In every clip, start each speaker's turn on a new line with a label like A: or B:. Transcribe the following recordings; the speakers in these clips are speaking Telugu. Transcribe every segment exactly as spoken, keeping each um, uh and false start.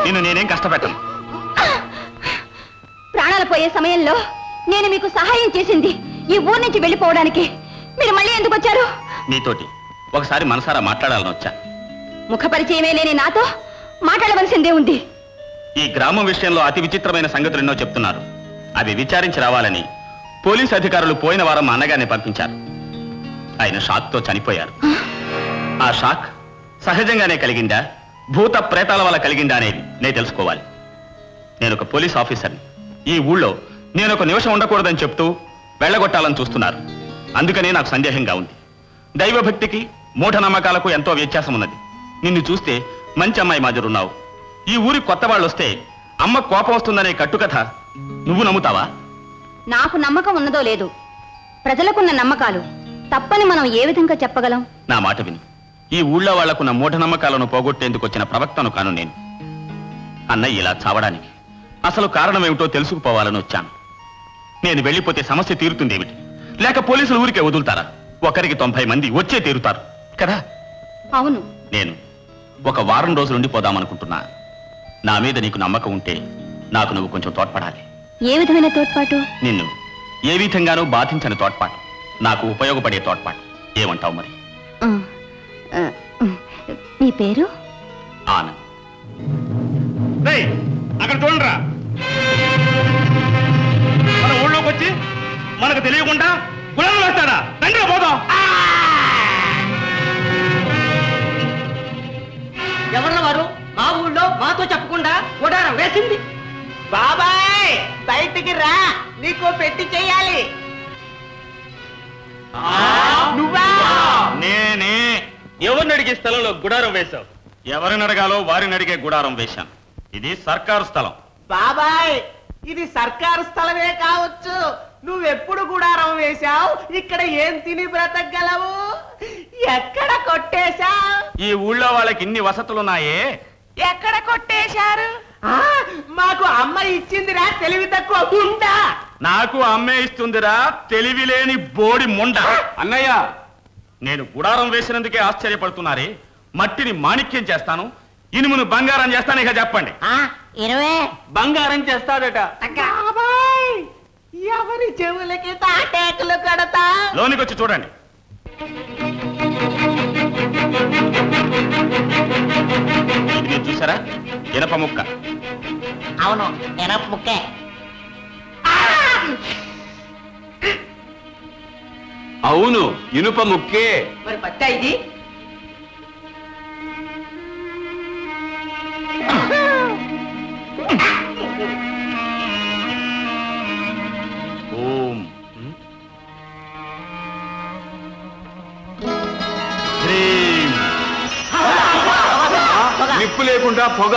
A: నిన్ను నేనేం కష్టపెట్టను.
B: ప్రాణాలు పోయే సమయంలో నేను మీకు సహాయం చేసింది ఈ ఊరు నుంచి వెళ్ళిపోవడానికి. మీరు మళ్ళీ ఎందుకు వచ్చారు?
A: నీతోటి ఒకసారి మనసారా మాట్లాడాలని వచ్చా.
B: ముఖ పరిచయమే లేని నాతో మాట్లాడవలసిందే ఉంది.
A: ఈ గ్రామం విషయంలో అతి విచిత్రమైన సంగతులు ఎన్నో చెప్తున్నారు. అవి విచారించి రావాలని పోలీసు అధికారులు పోయిన వారం మా అన్నగారిని పంపించారు. ఆయన షాక్తో చనిపోయారు. ఆ షాక్ సహజంగానే కలిగిందా, భూత ప్రేతాల వల్ల కలిగిందా అనేది నేను తెలుసుకోవాలి. నేను ఒక పోలీస్ ఆఫీసర్ని. ఈ ఊళ్ళో నేను ఒక నిమిషం ఉండకూడదని చెప్తూ వెళ్ళగొట్టాలని చూస్తున్నారు. అందుకనే నాకు సందేహంగా ఉంది. దైవభక్తికి మూఢనమ్మకాలకు ఎంతో వ్యత్యాసం ఉన్నది. నిన్ను చూస్తే మంచి అమ్మాయి మాదిరున్నావు. ఈ ఊరి కొత్త వాళ్ళు వస్తే అమ్మ కోపం వస్తుందనే కట్టుకథ నువ్వు నమ్ముతావా?
B: నాకు నమ్మకం ఉన్నదో లేదు, ప్రజలకున్న నమ్మకాలు తప్పని మనం ఏ విధంగా చెప్పగలం?
A: నా మాట విని ఈ ఊళ్ళో వాళ్లకున్న మూఢనమ్మకాలను పోగొట్టేందుకు వచ్చిన ప్రవక్తను కాను నేను. అన్నయ్య ఇలా చావడానికి అసలు కారణమేమిటో తెలుసుకుపోవాలని వచ్చాను. నేను వెళ్ళిపోతే సమస్య తీరుతుందేమిటి? లేక పోలీసులు ఊరికే వదులుతారా? ఒకరికి తొంభై మంది వచ్చే తీరుతారు కదా.
B: అవును.
A: నేను ఒక వారం రోజులు ఉండిపోదామనుకుంటున్నా. నా మీద నీకు నమ్మకం ఉంటే నాకు నువ్వు కొంచెం తోడ్పడాలి.
B: ఏ విధమైన తోడ్పాటు?
A: నిన్ను ఏ విధంగానూ బాధించని తోడ్పాటు, నాకు ఉపయోగపడే తోడ్పాటు. ఏమంటావు మరి?
B: మీ పేరు?
A: ఆనంద్. అక్కడ చూడరా, మన ఊళ్ళోకి వచ్చి మనకు తెలియకుండా గుణం వేస్తాడా? తండ్రి పోదాం.
C: ఎవరన్న వారు? మా ఊళ్ళో మాతో చెప్పకుండా గుడారం వేసింది. బాబాయ్ బయటికి రా, నీకు పెట్టి చెయ్యాలి. నువ్వా?
A: నేనే. ఎవరిని అడిగే స్థలంలో గుడారం వేశావు? ఎవరిని అడగాలో వారిని అడిగే గుడారం వేశాను. ఇది సర్కారు స్థలం.
C: బాబాయ్ ఇది సర్కారు స్థలమే కావచ్చు, నువ్వెప్పుడు గుడారం వేశావు? ఇక్కడ ఏం తిని బ్రతకగలవు? ఎక్కడ కొట్టేశావు?
A: ఈ ఊళ్ళో వాళ్ళకి ఇన్ని వసతులున్నాయే.
C: ఎక్కడ కొట్టేశారు? మాకు అమ్మ ఇచ్చిందిరా తెలివి తక్కువ ముండ.
A: నాకు అమ్మే ఇస్తుందిరా తెలివి లేని బోడి ముండ. అన్నయ్య, నేను గుడారం వేసినందుకే ఆశ్చర్యపడుతున్నారే. మట్టిని మాణిక్యం చేస్తాను, ఇనుమును బంగారం చేస్తాను. ఇక చెప్పండి.
C: ఇరవై
A: బంగారం చేస్తాడట.
C: ఎవరి చెవులకి తాటేకులు కడతా?
A: లోనికి వచ్చి చూడండి. ఇది చూసారా? ఇనప ముక్క.
C: అవును, ఇనప ముక్కే.
A: అవును, ఇనుప ముక్కే.
C: మరి పచ్చా ఇది?
A: ఓం నిప్పు లేకుండా పొగ.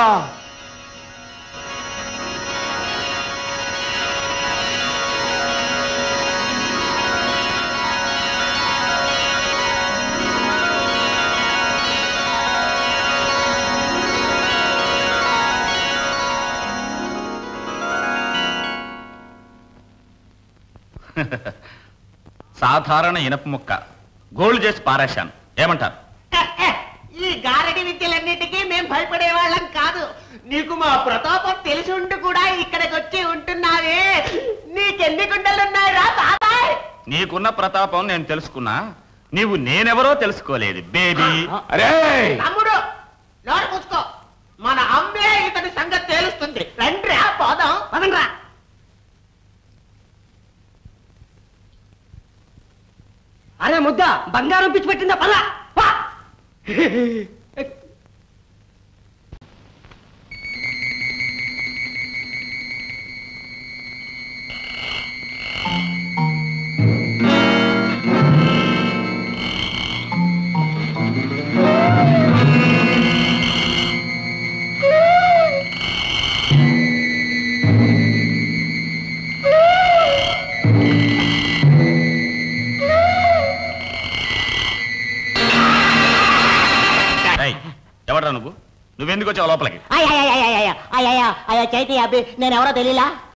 A: సాధారణ ఇనప ముక్క గోల్డ్ చేసి పారేశాను. ఏమంటారు?
C: ఈ గారడి విద్యలన్నిటికీ మేం భయపడే వాళ్ళం కాదు. నీకు మా ప్రతాపం తెలిసి ఉండి కూడా ఇక్కడికి వచ్చి ఉంటున్నావే, నీకెన్ని గుండెలున్నాయిరా బాబాయ్?
A: నీకున్న ప్రతాపం నేను తెలుసుకున్నా, నీవు నేనెవరో తెలుసుకోలేదు బేబీ.
C: అరే తమ్ముడు, నోరు మూసుకో. మన అమ్మే ఇతని సంగతి తేలుస్తుంది. రండ్రా పోదాం. పదండ్రా. అరే ముద్ద, బంగారం పిచ్చి పెట్టిందా? పలా.
A: ఎవడ్రా నువ్వు? నువ్వెందుకు వచ్చావు లోపలికి?
C: చైతి అబ్బి, నేనెవరో తెలియలా?